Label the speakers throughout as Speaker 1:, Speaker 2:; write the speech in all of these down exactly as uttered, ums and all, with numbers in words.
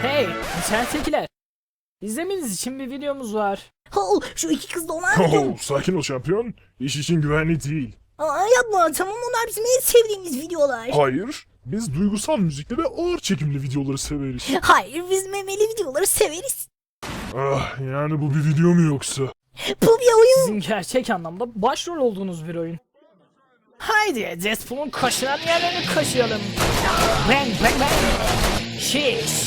Speaker 1: Hey, içeridekiler. İzlemeniz için bir videomuz var.
Speaker 2: Oh, şu iki kız da olan video.
Speaker 3: Oh, sakin ol şampiyon. İş için güvenli değil.
Speaker 2: Aa, yapma, tamam, onlar bizim en sevdiğimiz videolar.
Speaker 3: Hayır. Biz duygusal müzikli ve ağır çekimli videoları severiz.
Speaker 2: Hayır, biz memeli videoları severiz.
Speaker 3: Ah, yani bu bir video mu yoksa?
Speaker 2: Bu bir oyun.
Speaker 1: Sizin gerçek anlamda başrol olduğunuz bir oyun. Haydi Deadpool'un kaşınan yerlerini kaşıyalım. Bang bang bang. Şiş.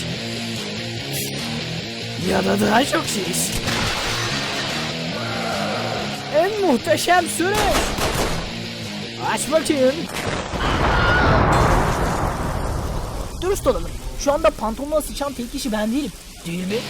Speaker 1: Ya da daha çok şiş. En muhteşem sürüş. Aç bakayım. Dürüst olalım. Şu anda pantolona sıçan tek kişi ben değilim. Değil mi?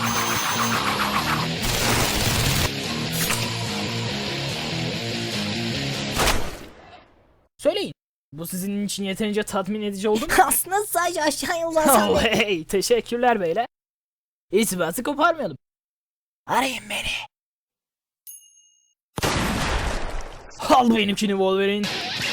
Speaker 1: Söyleyin. Bu sizin için yeterince tatmin edici oldu mu?
Speaker 2: Aslında sadece aşağıya uzansan
Speaker 1: Oh
Speaker 2: da.
Speaker 1: hey, teşekkürler beyler. İtibatı koparmayalım. Arayın beni. Al benimkini Wolverine.